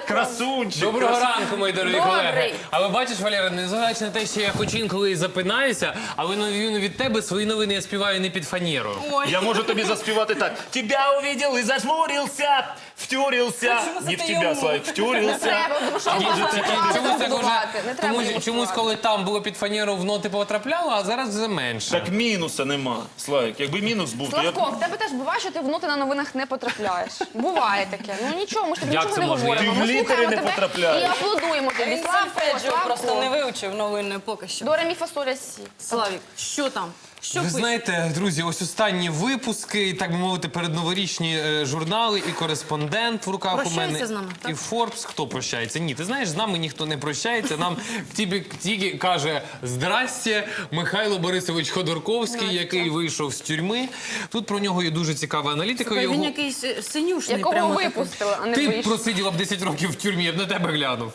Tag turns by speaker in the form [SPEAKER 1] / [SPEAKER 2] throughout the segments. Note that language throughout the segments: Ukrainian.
[SPEAKER 1] Красунчик.
[SPEAKER 2] Доброго ранку, мої дорогі
[SPEAKER 3] Добрий.
[SPEAKER 2] колеги. А ви бачиш, Валера, незважаючи на те, що я хоч інколи і запинаюся, але на відміну від тебе свої новини я співаю не під фанеру.
[SPEAKER 1] Я можу тобі заспівати так. Тебя увидел и зажмурился, втюрился. Не в тебя, Славик, втюрился.
[SPEAKER 3] Треба, тому що
[SPEAKER 2] Чомусь так
[SPEAKER 3] будувати. Не треба
[SPEAKER 2] уже, чомусь, коли там було під фанеру, в ноти потрапляло, а зараз вже менше.
[SPEAKER 1] Так мінуса нема, Славик. Якби мінус був, то я б...
[SPEAKER 3] Славко, в тебе теж буває, що ти в ноти на новинах не потрапляєш. Буває таке. Ну нічого, ми ж тобі
[SPEAKER 2] Як
[SPEAKER 3] нічого
[SPEAKER 2] це
[SPEAKER 3] не
[SPEAKER 2] можливо?
[SPEAKER 3] говоримо.
[SPEAKER 1] Ти в
[SPEAKER 3] Ми
[SPEAKER 1] літери
[SPEAKER 3] слухаємо
[SPEAKER 1] не
[SPEAKER 3] тебе
[SPEAKER 1] потрапляєш.
[SPEAKER 3] і аплодуємо тобі.
[SPEAKER 4] Він
[SPEAKER 3] Славко,
[SPEAKER 4] сольфеджіо просто не
[SPEAKER 3] Славко.
[SPEAKER 4] вивчив новини поки що.
[SPEAKER 3] До ре, мі, фа, соль, ля, сі.
[SPEAKER 4] Славік, що там? Що
[SPEAKER 2] Ви
[SPEAKER 4] пише?
[SPEAKER 2] знаєте, друзі, ось останні випуски, так би мовити, передноворічні журнали і кореспондент в руках у
[SPEAKER 4] Прощається
[SPEAKER 2] мене.
[SPEAKER 4] з нами, так?
[SPEAKER 2] І Форбс. Хто прощається? Ні, ти знаєш, з нами ніхто не прощається. Нам тільки каже «Здрасте» Михайло Борисович Ходорковський, який вийшов з тюрми. Тут про нього є дуже цікава аналітика.
[SPEAKER 4] Він
[SPEAKER 2] Його...
[SPEAKER 4] якийсь синюшний
[SPEAKER 3] Якого
[SPEAKER 4] прямо такий.
[SPEAKER 3] випустили, а не
[SPEAKER 2] Ти б
[SPEAKER 3] вийшов.
[SPEAKER 2] просиділа б 10 років в тюрмі, я б на тебе глянув.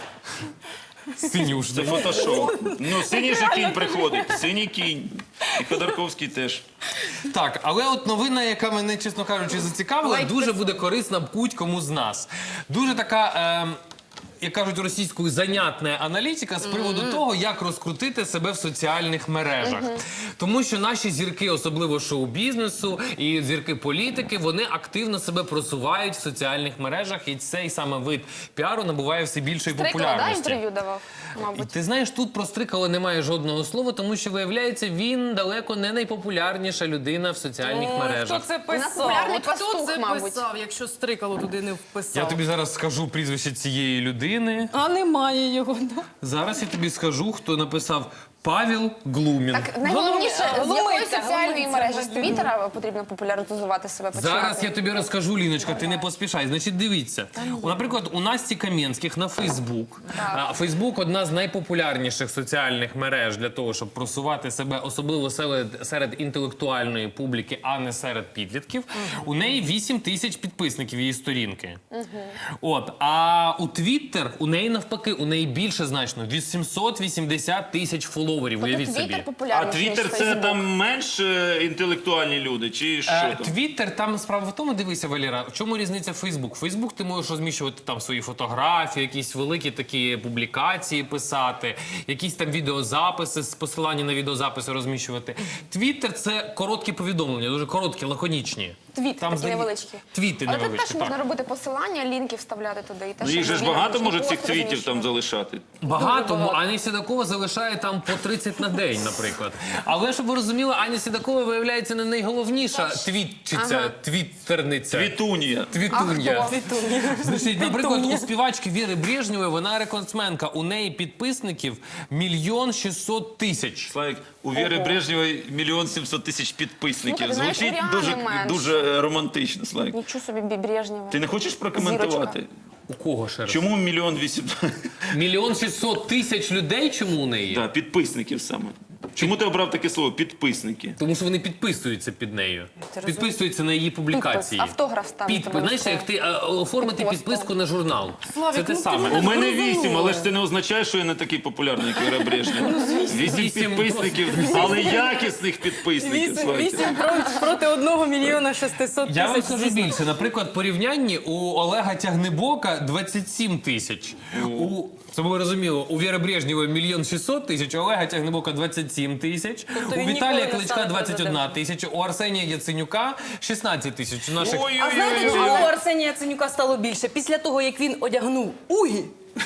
[SPEAKER 1] Це
[SPEAKER 2] Синюшний.
[SPEAKER 1] фотошоп. Ну, синій же кінь приходить. Синій кінь. І Ходорковський теж.
[SPEAKER 2] Так, але от новина, яка мене, чесно кажучи, зацікавила, дуже буде корисна будь-кому з нас. Дуже така, як кажуть російською, занятна аналітика з приводу того, як розкрутити себе в соціальних мережах. Тому що наші зірки, особливо шоу-бізнесу і зірки політики, вони активно себе просувають в соціальних мережах, і цей саме вид піару набуває все більшої
[SPEAKER 3] Стрикало, да,
[SPEAKER 2] популярності.
[SPEAKER 3] інтерв'ю давав,
[SPEAKER 2] І
[SPEAKER 3] мабуть.
[SPEAKER 2] ти знаєш, тут про Стрикало немає жодного слова, тому що, виявляється, він далеко не найпопулярніша людина в соціальних
[SPEAKER 4] Хто
[SPEAKER 2] мережах.
[SPEAKER 4] це
[SPEAKER 3] У нас
[SPEAKER 4] писав?
[SPEAKER 3] популярний
[SPEAKER 4] От хто
[SPEAKER 3] пастух,
[SPEAKER 4] це
[SPEAKER 3] мабуть.
[SPEAKER 4] писав, якщо Стрикало туди не вписав?
[SPEAKER 2] Я тобі зараз скажу прізвище цієї людини.
[SPEAKER 4] А немає його, да?
[SPEAKER 2] Зараз я тобі скажу, хто написав Павел Глумін.
[SPEAKER 3] Так, найголовніше, з якої
[SPEAKER 4] Глумиться,
[SPEAKER 3] соціальної
[SPEAKER 4] глумиться,
[SPEAKER 3] мережі? З
[SPEAKER 4] людина.
[SPEAKER 3] Твіттера потрібно популяризувати себе починати?
[SPEAKER 2] Зараз я тобі розкажу, Ліночка, ти не поспішай. Значить, дивіться. Наприклад, у Насті Кам'янських на Фейсбук. Фейсбук – одна з найпопулярніших соціальних мереж для того, щоб просувати себе, особливо серед інтелектуальної публіки, а не серед підлітків. У неї 8 тисяч підписників її сторінки. От. А у Твіттер, у неї навпаки, у неї більше значно. 880 тисяч фоловерів. Уявіть
[SPEAKER 3] Тобто
[SPEAKER 2] собі.
[SPEAKER 3] Твіттер
[SPEAKER 1] А
[SPEAKER 3] популярніший, ніж
[SPEAKER 1] Твіттер це
[SPEAKER 3] Фейсбук.
[SPEAKER 1] там менш інтелектуальні люди, чи що там?
[SPEAKER 2] Твіттер, там справа в тому, дивися, Валера, в чому різниця Фейсбук? Фейсбук ти можеш розміщувати там свої фотографії, якісь великі такі публікації писати, якісь там відеозаписи, з посилання на відеозаписи розміщувати. Твіттер – це короткі повідомлення, дуже короткі, лаконічні.
[SPEAKER 3] Твіт такі невеличкі.
[SPEAKER 2] Твіти
[SPEAKER 3] Але тут
[SPEAKER 2] невеличкі,
[SPEAKER 3] теж можна
[SPEAKER 2] так.
[SPEAKER 3] робити посилання, лінки вставляти туди. І те,
[SPEAKER 1] Ну,
[SPEAKER 3] що
[SPEAKER 1] їх же ж
[SPEAKER 3] ми
[SPEAKER 1] багато
[SPEAKER 3] віримо,
[SPEAKER 1] може
[SPEAKER 3] що
[SPEAKER 1] цих
[SPEAKER 3] пост
[SPEAKER 1] твітів там
[SPEAKER 3] розміщуємо.
[SPEAKER 1] залишати.
[SPEAKER 2] Багато, Аня Сідакова залишає там по 30 на день, наприклад. Але, щоб ви розуміли, Аня Сідакова, виявляється, не найголовніша твітчиця, твіттерниця.
[SPEAKER 1] Твітунія.
[SPEAKER 2] Твітун'я.
[SPEAKER 3] хто?
[SPEAKER 2] Значить, наприклад, у співачки Віри Брежнєвої, вона рекордсменка, у неї підписників 1 600 000.
[SPEAKER 1] Славік, у Віри Брежнєвої 1 700 000 підписників.
[SPEAKER 3] Слухай, знаєш,
[SPEAKER 1] Звучить
[SPEAKER 3] Оріани менше.
[SPEAKER 1] дуже романтично, Славік.
[SPEAKER 3] Нічого собі Брежнєва.
[SPEAKER 1] Ти не хочеш прокоментувати?
[SPEAKER 3] Зірочка.
[SPEAKER 2] У кого ще раз?
[SPEAKER 1] Чому 1 800
[SPEAKER 2] 1 600 000 людей чому у неї?
[SPEAKER 1] да, підписників саме? Чому ти обрав таке слово «підписники»?
[SPEAKER 2] Тому що вони підписуються під нею. Підписуються на її публікації.
[SPEAKER 3] Підпис, автограф ставити
[SPEAKER 2] Знаєш, як ти оформити
[SPEAKER 3] Пост.
[SPEAKER 2] підписку на журнал.
[SPEAKER 4] Славік,
[SPEAKER 2] Це те
[SPEAKER 4] ну ти
[SPEAKER 2] саме.
[SPEAKER 4] мене
[SPEAKER 1] У мене
[SPEAKER 4] зрозуміла.
[SPEAKER 1] 8, але ж це не означає, що я не такий популярний, як Віра Брежнєва. 8
[SPEAKER 2] Вісім
[SPEAKER 1] підписників, але якісних підписників. Славік.
[SPEAKER 4] 8 проти 1 мільйона 600 тисяч.
[SPEAKER 2] Я вам скажу більше. Наприклад, в порівнянні у Олега Тягнебока 27 тисяч. Це було розуміло, у Віри Брежнєвої 1 600 000, у Олега Тягнебока 27 тисяч,
[SPEAKER 4] Тобто
[SPEAKER 2] у
[SPEAKER 4] він
[SPEAKER 2] Віталія
[SPEAKER 4] ніколи не
[SPEAKER 2] Кличка
[SPEAKER 4] стане
[SPEAKER 2] 21
[SPEAKER 4] президентом.
[SPEAKER 2] тисяча, у Арсенія Яценюка 16 тисяч. У наших...
[SPEAKER 4] А знаєте, чому у Арсенія Яценюка стало більше? Після того, як він одягнув угі,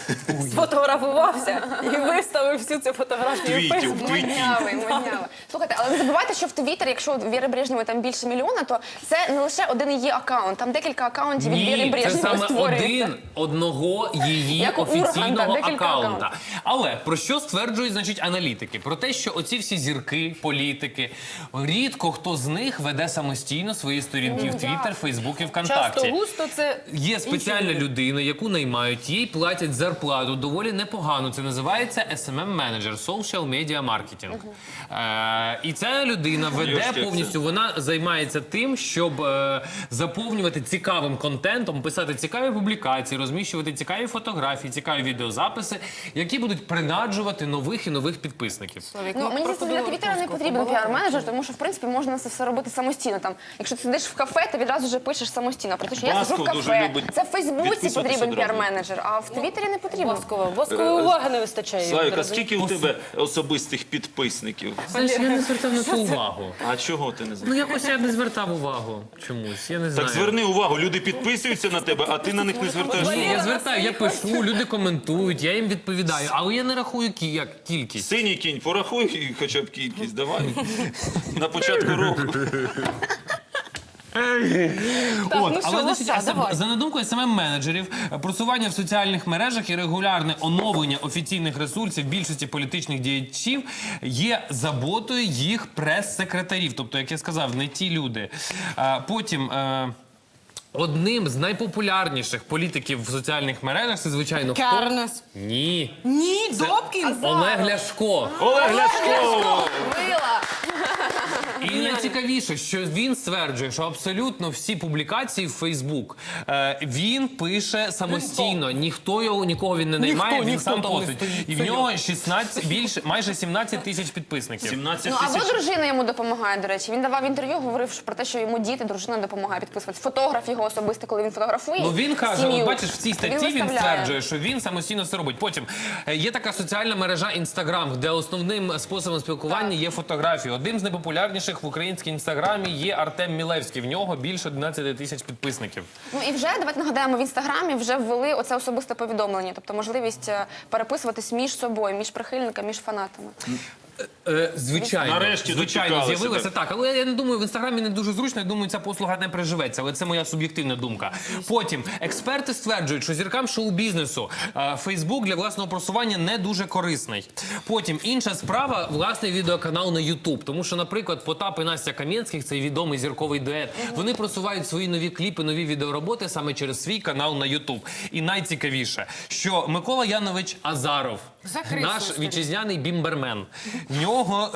[SPEAKER 4] сфотографувався і виставив всю цю фотографію. в
[SPEAKER 1] Твітів,
[SPEAKER 4] Фейсбук.
[SPEAKER 1] твітів.
[SPEAKER 3] Моднявий. Слухайте, але не забувайте, що в Твіттері, якщо у Віри Брежнєвої там більше мільйона, то це не лише один її аккаунт, там декілька аккаунтів від Віри
[SPEAKER 2] Ні, це
[SPEAKER 3] Брежнєвої
[SPEAKER 2] саме
[SPEAKER 3] створюється.
[SPEAKER 2] одного її
[SPEAKER 3] Як у Урганта,
[SPEAKER 2] офіційного
[SPEAKER 3] декілька
[SPEAKER 2] аккаунта. Але про що стверджують, значить, аналітики? Про те, що оці всі зірки, політики, рідко хто з них веде самостійно свої сторінки в Твіттер, Фейсбук і ВКонтакті.
[SPEAKER 4] Часто густо це
[SPEAKER 2] Є спеціальна людина, яку наймають, їй платять зарплату доволі непогану. Це називається SMM-менеджер, Social Media Marketing. І ця людина веде
[SPEAKER 5] Йошки,
[SPEAKER 2] повністю, вона займається тим, щоб заповнювати цікавим контентом, писати цікаві публікації, розміщувати цікаві фотографії, цікаві відеозаписи, які будуть принаджувати нових і нових підписників.
[SPEAKER 3] Ну, мені здається, для Твіттера не потрібен піар-менеджер, тому що, в принципі, можна це все робити самостійно. Там, якщо ти сидиш в кафе, ти відразу вже пишеш самостійно. Про те, що я сиджу в
[SPEAKER 5] Басков дуже
[SPEAKER 3] кафе.
[SPEAKER 5] любить
[SPEAKER 3] Це в Фейсбуці
[SPEAKER 5] підписуватися
[SPEAKER 3] потрібен
[SPEAKER 5] одразу.
[SPEAKER 3] піар-менеджер, а в Твіттері не потрібен.
[SPEAKER 4] Воскової уваги не вистачає.
[SPEAKER 5] Славік, а скільки у тебе особистих підписників?
[SPEAKER 2] Знаєш, я не звертав на це увагу.
[SPEAKER 5] А чого ти не знаєш?
[SPEAKER 2] Ну, якось я не звертав увагу чомусь, я не знаю.
[SPEAKER 5] Так зверни увагу, люди підписуються на тебе, а ти на них не звертаєш
[SPEAKER 2] Ні,
[SPEAKER 5] увагу.
[SPEAKER 2] я звертаю, я пишу, люди коментують, я їм відповідаю, але я не рахую як кількість.
[SPEAKER 5] Синій кінь, порахуй хоча б кількість, давай. На початку року.
[SPEAKER 2] От, але значить, за надумкою СММ-менеджерів, просування в соціальних мережах і регулярне оновлення офіційних ресурсів більшості політичних діячів є заботою їх прес-секретарів. Тобто, як я сказав, не ті люди. Потім... Одним з найпопулярніших політиків в соціальних мережах це, звичайно, хто?
[SPEAKER 4] Карнес.
[SPEAKER 2] Ні.
[SPEAKER 4] Ні, Добкін.
[SPEAKER 2] Олег Ляшко.
[SPEAKER 5] Олег Ляшко!
[SPEAKER 3] Мила!
[SPEAKER 2] І найцікавіше, що він стверджує, що абсолютно всі публікації в Фейсбук він пише самостійно. Нікого він не наймає, він сам постить. І в нього майже 17 тисяч підписників.
[SPEAKER 5] 17
[SPEAKER 3] Ну, або
[SPEAKER 5] тисяч.
[SPEAKER 3] дружина йому допомагає, до речі. Він давав інтерв'ю, говорив про те, що йому діти, дружина допомагає підписувати. Фотограф його особисто, коли він фотографує.
[SPEAKER 2] Ну він каже,
[SPEAKER 3] сім'ю,
[SPEAKER 2] от бачиш, в цій статті він
[SPEAKER 3] виставляє.
[SPEAKER 2] стверджує, що він самостійно все робить. Потім є така соціальна мережа Інстаграм, де основним способом спілкування є фотографії. Одним з найпопулярніших в українській інстаграмі є Артем Мілевський. В нього більше 11 тисяч підписників.
[SPEAKER 3] Ну і вже, давайте нагадаємо, в Інстаграмі вже ввели оце особисте повідомлення, тобто можливість переписуватись між собою, між прихильниками, між фанатами.
[SPEAKER 2] Звичайно,
[SPEAKER 5] Нарешті
[SPEAKER 2] звичайно,
[SPEAKER 5] дочекалися,
[SPEAKER 2] з'явилося так. Але я не думаю, в інстаграмі не дуже зручно. Я думаю, ця послуга не приживеться. Але це моя суб'єктивна думка. Потім експерти стверджують, що зіркам шоу-бізнесу Фейсбук для власного просування не дуже корисний. Потім інша справа власний відеоканал на Ютуб. Тому що, наприклад, Потап і Настя Кам'янських, цей відомий зірковий дует, вони просувають свої нові кліпи, нові відеороботи саме через свій канал на Ютуб. І найцікавіше, що Микола Янович Азаров, наш вітчизняний бімбермен, в нього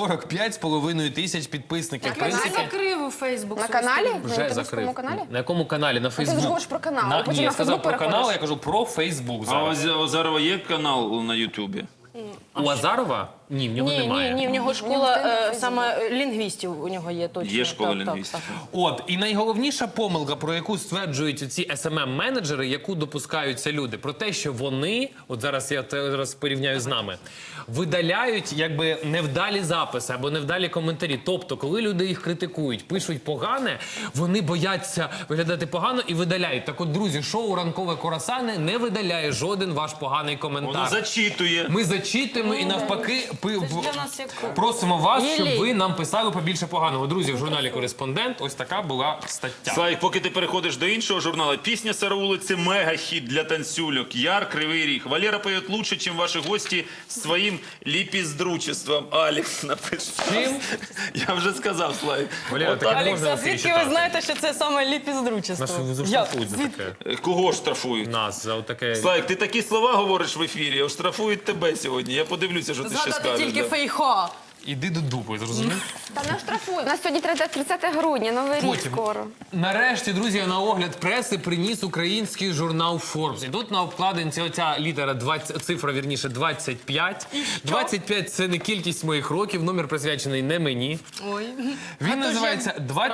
[SPEAKER 2] 45,5 тисяч підписників. В принципі,
[SPEAKER 4] Закрив у Фейсбук.
[SPEAKER 3] На каналі?
[SPEAKER 2] вже
[SPEAKER 3] На
[SPEAKER 2] закрив.
[SPEAKER 3] ютубському каналі?
[SPEAKER 2] На якому каналі? На Фейсбук.
[SPEAKER 3] ж говориш про канал, а потім
[SPEAKER 2] Ні, я
[SPEAKER 3] на
[SPEAKER 2] сказав
[SPEAKER 3] Фейсбук
[SPEAKER 2] про канал,
[SPEAKER 3] переходиш.
[SPEAKER 2] я кажу про Фейсбук
[SPEAKER 5] А
[SPEAKER 2] зараз.
[SPEAKER 5] у Азарова є канал на Ютубі?
[SPEAKER 2] У Азарова? Ні, в нього немає.
[SPEAKER 4] Ні, в нього школа саме лінгвістів у нього є точно.
[SPEAKER 5] Є школа
[SPEAKER 4] Так, так,
[SPEAKER 5] лінгвістів.
[SPEAKER 4] так.
[SPEAKER 2] От, і найголовніша помилка, про яку стверджують ці SMM-менеджери, яку допускаються люди, про те, що вони, от зараз я зараз порівняю з нами, видаляють якби невдалі записи або невдалі коментарі. Тобто, коли люди їх критикують, пишуть погане, вони бояться виглядати погано і видаляють. Так от, друзі, шоу «Ранкове Курасани» не видаляє жоден ваш поганий коментар.
[SPEAKER 5] Воно зачитує.
[SPEAKER 2] Ми зачитуємо і навпаки
[SPEAKER 4] для нас як
[SPEAKER 2] просимо вас, щоб
[SPEAKER 4] Єлі.
[SPEAKER 2] ви нам писали побільше поганого. Друзі, в журналі «Кореспондент» ось така була стаття.
[SPEAKER 5] Славік, поки ти переходиш до іншого журналу, пісня «Сараулиці» мега-хіт для танцюльок. Яр, Кривий Ріг. Валера поет лучше, чем ваши гости своїм ліпіздручеством. Алекс напише.
[SPEAKER 2] Чим?
[SPEAKER 5] Я вже сказав, Славік.
[SPEAKER 2] Валера,
[SPEAKER 5] Отак.
[SPEAKER 2] таке можна
[SPEAKER 4] Алекса, звідки
[SPEAKER 2] читати?
[SPEAKER 4] ви знаєте, що це саме ліпіздручество?
[SPEAKER 2] Нас заштрафують за таке.
[SPEAKER 5] Кого ж штрафують?
[SPEAKER 2] Нас за таке.
[SPEAKER 5] Славік, ти такі слова говориш в ефірі, а штрафують тебе сьогодні. Я подивлюся, що ти ще
[SPEAKER 4] Згадати
[SPEAKER 5] скажеш.
[SPEAKER 4] тільки
[SPEAKER 5] да.
[SPEAKER 4] фейха.
[SPEAKER 2] Іди до дупи, зрозумів?
[SPEAKER 3] Та не штрафують. У нас сьогодні 30 грудня, Новий рік
[SPEAKER 2] Потім.
[SPEAKER 3] скоро.
[SPEAKER 2] Нарешті, друзі, на огляд преси приніс український журнал Forbes. І тут на обкладинці оця літера, цифра, вірніше, 25. 25 – це не кількість моїх років, номер присвячений не мені.
[SPEAKER 4] Ой.
[SPEAKER 2] Він називається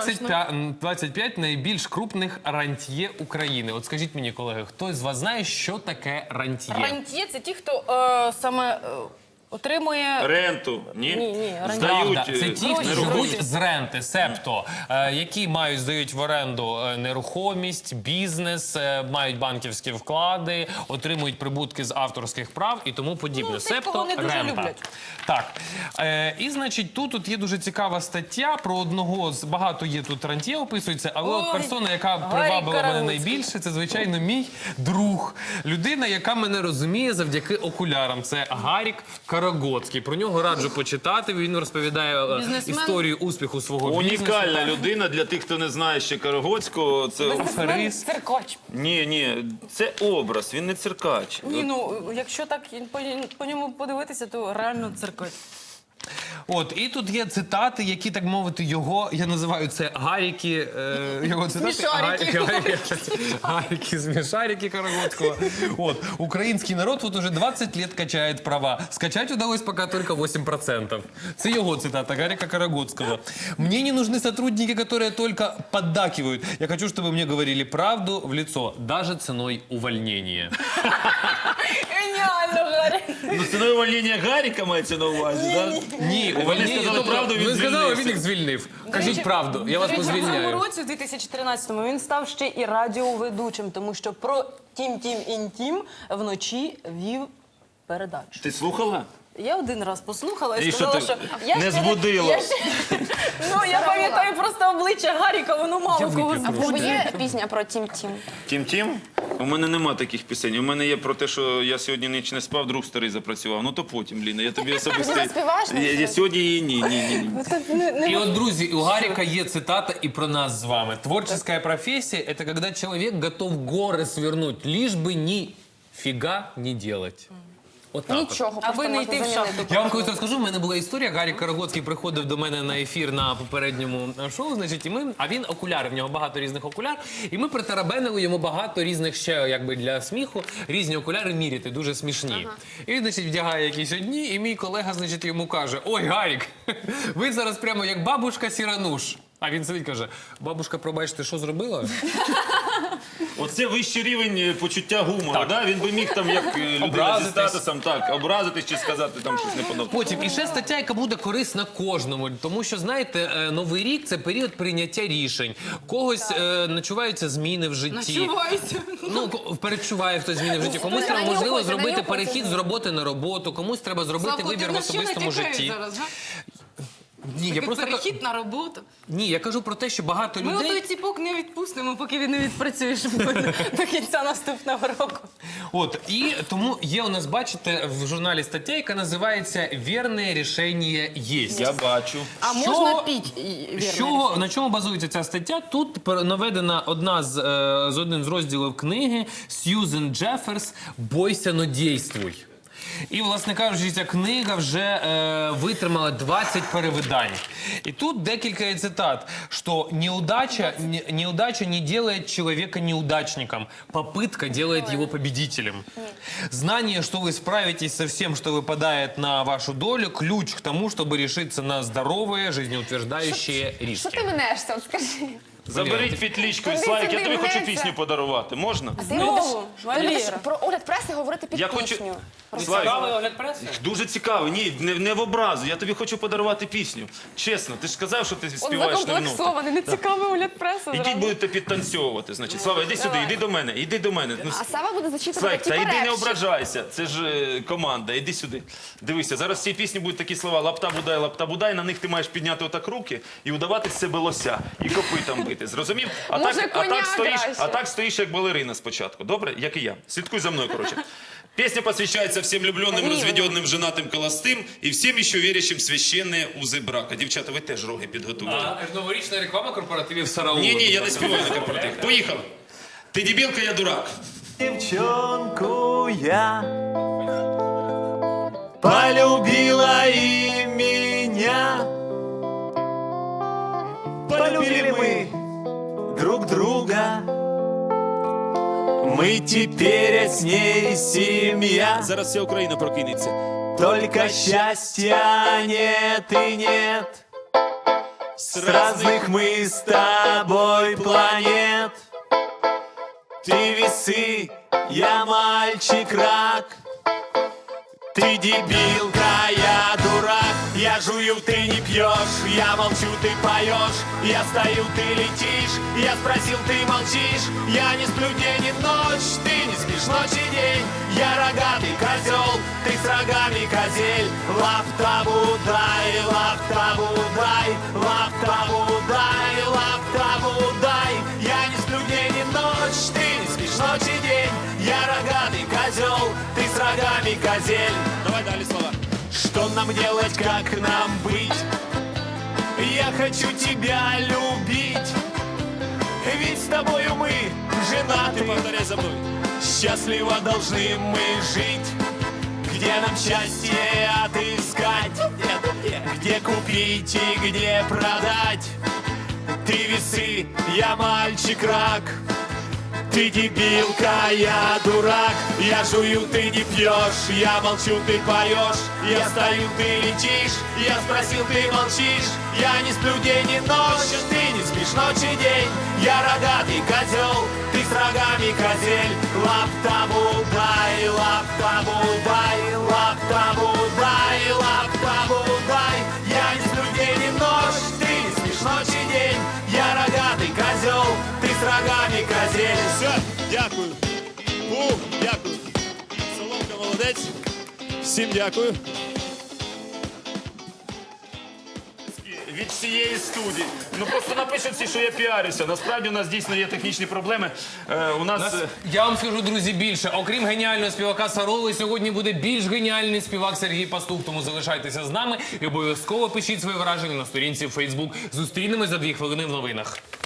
[SPEAKER 2] 25 найбільш крупних рантьє України. От скажіть мені, колеги, хтось з вас знає, що таке рантьє?
[SPEAKER 4] Рантьє – це ті, хто саме отримує...
[SPEAKER 5] Ренту, ні?
[SPEAKER 4] Ні,
[SPEAKER 5] Здають
[SPEAKER 2] Правда, це ті, хто
[SPEAKER 5] нерухомість.
[SPEAKER 2] живуть з ренти, себто, які здають в оренду нерухомість, бізнес, мають банківські вклади, отримують прибутки з авторських прав і тому подібне.
[SPEAKER 4] тих, кого не дуже
[SPEAKER 2] рента.
[SPEAKER 4] люблять.
[SPEAKER 2] Так. І, значить, тут є дуже цікава стаття про одного з багато є тут рантьє описується, але от
[SPEAKER 4] Ой,
[SPEAKER 2] персона, яка
[SPEAKER 4] Гаррі
[SPEAKER 2] привабила мене
[SPEAKER 4] Караульський.
[SPEAKER 2] найбільше, це, звичайно, мій друг. Людина, яка мене розуміє завдяки окулярам. Це Гарік Караульський. Карагоцький. Про нього раджу почитати. Він розповідає
[SPEAKER 4] Бізнесмен.
[SPEAKER 2] історію успіху свого бізнесу.
[SPEAKER 5] Унікальна людина для тих, хто не знає ще Карагоцького. Це
[SPEAKER 2] Аферист.
[SPEAKER 4] Циркач.
[SPEAKER 5] ні, це образ, він не циркач.
[SPEAKER 4] Ні, ну, якщо так по ньому подивитися, то реально циркач.
[SPEAKER 2] От, і тут є цитати, які, так мовити, його, я називаю це гаріки, його цитати.
[SPEAKER 4] Смішарики.
[SPEAKER 2] Гаріки, смешарики Карагоцького. От, український народ вот уже 20 лет качает права. Скачать удалось пока только 8%. Це його цитата, Гаріка Карагоцького. Мне не нужны сотрудники, которые только поддакивают. Я хочу, чтобы мне говорили правду в лицо, даже ценой увольнения.
[SPEAKER 4] Геніально, Гарі.
[SPEAKER 5] Ну, ціною увольнення Гаріка мається на увазі, так?
[SPEAKER 2] Ні,
[SPEAKER 5] Вони сказали правду, він
[SPEAKER 2] ви сказали,
[SPEAKER 5] звільнився.
[SPEAKER 2] він їх звільнив. Кажіть правду, я вас
[SPEAKER 4] В цьому
[SPEAKER 2] позвільняю.
[SPEAKER 4] році, у 2013-му, він став ще і радіоведучим, тому що про Тім-Тім-Інтім вночі вів передачу.
[SPEAKER 5] Ти слухала?
[SPEAKER 4] Я один раз послухала і
[SPEAKER 5] І
[SPEAKER 4] сказала,
[SPEAKER 5] що
[SPEAKER 4] що...
[SPEAKER 5] ти,
[SPEAKER 4] я
[SPEAKER 5] не
[SPEAKER 4] ще
[SPEAKER 5] збудила?
[SPEAKER 4] Ну, я пам'ятаю просто обличчя Гаріка, воно мало кого
[SPEAKER 3] А в тебе є пісня про Тім-Тім?
[SPEAKER 5] Тім-Тім? У мене нема таких пісень. У мене є про те, що я сьогодні ніч не спав, друг старий запрацював. Ну то потім, Ліна, я тобі особисто...
[SPEAKER 3] Ти заспіваєш нам
[SPEAKER 5] Я
[SPEAKER 3] щось?
[SPEAKER 5] сьогодні її ні.
[SPEAKER 2] И вот, друзья, у Гарика есть цитата и про нас с вами. Творческая профессия – это когда человек готов горы свернуть, лишь бы ни фига не делать. Вот так от.
[SPEAKER 3] Нічого,
[SPEAKER 4] Аби
[SPEAKER 3] просто
[SPEAKER 4] не
[SPEAKER 3] можна
[SPEAKER 4] йти в
[SPEAKER 3] замінити.
[SPEAKER 4] шахту.
[SPEAKER 2] Я вам колись розкажу, в мене була історія. Гарік Карагоцький приходив до мене на ефір на попередньому шоу, значить, а він окуляри, в нього багато різних окуляр, і ми притарабенили йому багато різних ще, якби для сміху, різні окуляри міряти, дуже смішні. І він, значить, вдягає якісь одні, і мій колега, значить, йому каже: ой, Гарік, ви зараз прямо як бабушка Сірануш. А він сидить, каже: бабушка, пробачте, що зробила?
[SPEAKER 5] Оце вищий рівень почуття гумору, да? Він би міг там, як людина зі
[SPEAKER 2] Образитись.
[SPEAKER 5] статусом, так, образитись чи сказати там щось неподобне.
[SPEAKER 2] Потім, і ще стаття, яка буде корисна кожному, тому що, знаєте, Новий рік – це період прийняття рішень. Когось начуваються зміни в житті.
[SPEAKER 4] Начуваються.
[SPEAKER 2] Ну, перечуває хтось зміни в житті. Комусь треба, можливо,
[SPEAKER 3] нанюхуйся,
[SPEAKER 2] зробити
[SPEAKER 3] нанюхуйся.
[SPEAKER 2] перехід з роботи на роботу, комусь треба зробити вибір в особистому житті. Ні, я просто
[SPEAKER 4] Перехід на роботу.
[SPEAKER 2] ні, я кажу про те, що багато
[SPEAKER 4] Ми
[SPEAKER 2] людей.
[SPEAKER 4] отой ціпок не відпустимо, поки він не відпрацює до кінця наступного року.
[SPEAKER 2] От, і тому є у нас, бачите, в журналі стаття, яка називається «Вірне рішення єсть».
[SPEAKER 5] Я бачу.
[SPEAKER 4] А
[SPEAKER 2] Що-
[SPEAKER 4] можна піть
[SPEAKER 2] На чому базується ця стаття? Тут наведена одна з один з розділів книги Сьюзен Джеферс «Бойся, но дійствуй». І, власне кажучи, ця книга вже витримала 20 перевидань. І тут декілька є цитат, що неудача не делает человека неудачником, попытка делает его победителем. Знание, что вы справитесь со всем, что выпадает на вашу долю, ключ к тому, чтобы решиться на здоровые, жизнеутверждающие
[SPEAKER 3] Що
[SPEAKER 2] риски.
[SPEAKER 3] ти минешся, от скажи?
[SPEAKER 5] Заберіть петлічку і
[SPEAKER 3] Куди
[SPEAKER 5] Славік, я
[SPEAKER 3] сюди
[SPEAKER 5] тобі хочу
[SPEAKER 3] внесся?
[SPEAKER 5] пісню подарувати. Можна?
[SPEAKER 3] Ти
[SPEAKER 4] Знову?
[SPEAKER 3] любиш
[SPEAKER 4] Валера.
[SPEAKER 3] про огляд преси говорити під
[SPEAKER 5] Я хочу-
[SPEAKER 3] пісню.
[SPEAKER 5] Славік,
[SPEAKER 2] огляд преси?
[SPEAKER 5] дуже цікаво. Ні, не в образу. Я тобі хочу подарувати пісню. Чесно, ти ж сказав, що ти
[SPEAKER 3] Он
[SPEAKER 5] співаєш не в нотах.
[SPEAKER 3] закомплексований, не цікавий огляд преси.
[SPEAKER 5] Ідіть, будете підтанцьовувати, значить. Слава, іди сюди, іди до мене, іди до мене. Ну,
[SPEAKER 3] А Сава буде зачитувати
[SPEAKER 5] Слайк,
[SPEAKER 3] ті
[SPEAKER 5] та йди не
[SPEAKER 3] перепші.
[SPEAKER 5] ображайся, це ж команда, іди сюди. Дивися, зараз в цій пісні будуть такі слова лапта будай, на них ти маєш підняти отак руки і удавати з себе лося, і копитом бити, зрозумів?
[SPEAKER 3] Може, коня краще?
[SPEAKER 5] А так стоїш як балерина спочатку, добре? Як і я. Слідкуй за мною, коротше. Песня посвящается всем влюбленным, разведенным, женатым, холостым и всем еще верящим в священные узы брака. Дівчата, ви теж роги підготуйте.
[SPEAKER 2] Новорічна реклама корпоративів Сараула.
[SPEAKER 5] Ні, я не співаю на корпоратив. Поїхали. Ти дебілка, я дурак.
[SPEAKER 6] Девчонку я полюбила и меня. Полюбили мы друг друга. Мы теперь с ней семья.
[SPEAKER 5] Зараз вся Україна прокинеться.
[SPEAKER 6] Только счастья нет и нет. С разных мы с тобой планет. Ты весы, я мальчик-рак. Ты дебилка, я дурак. Я жую, ты не пьешь. Я молчу, ты поешь. Я стою, ты летишь. Я спросил, ты молчишь. Я не сплю день и ночь. Ты не спишь ночь и день. Я рогатый козел, ты с рогами козель. Лаптаву дай, лаптаву дай, лаптаву дай, лаптаву дай. Я не сплю день и ночь. Ты не спишь ночь и день. Я рогатый козел, ты с рогами козель.
[SPEAKER 5] Давай далі слова.
[SPEAKER 6] нам делать, как нам быть? Я хочу тебя любить, ведь с тобою мы женаты.
[SPEAKER 5] Повторяй за мной.
[SPEAKER 6] Счастливо должны мы жить. Где нам счастье отыскать? Где купить и где продать? Ты весы, я мальчик-рак. Ты дебилка, я дурак. Я жую, ты не пьешь. Я молчу, ты поешь. Я стою, ты летишь. Я спросил, ты молчишь. Я не сплю день и ночь. Ты не спишь ночь и день. Я рогатый козел, ты с рогами козель. Лаптаму дай, лаптаму дай, лаптаму дай, лаптаму дай. Я не сплю день и ночь. Ты не спишь ночь и день. Я рогатый козел, ты с рогами козель.
[SPEAKER 5] Все, дякую. Дякую. Соломка молодець. Всім дякую.
[SPEAKER 1] Від всієї студії. Ну просто напишуть всі, що я піарюся. Насправді у нас дійсно є технічні проблеми. У нас...
[SPEAKER 2] Я вам скажу, друзі, більше. Окрім геніального співака Сароли, сьогодні буде більш геніальний співак Сергій Пастух. Тому залишайтеся з нами і обов'язково пишіть свої враження на сторінці в Facebook. Зустрінемось за 2 хвилини в новинах.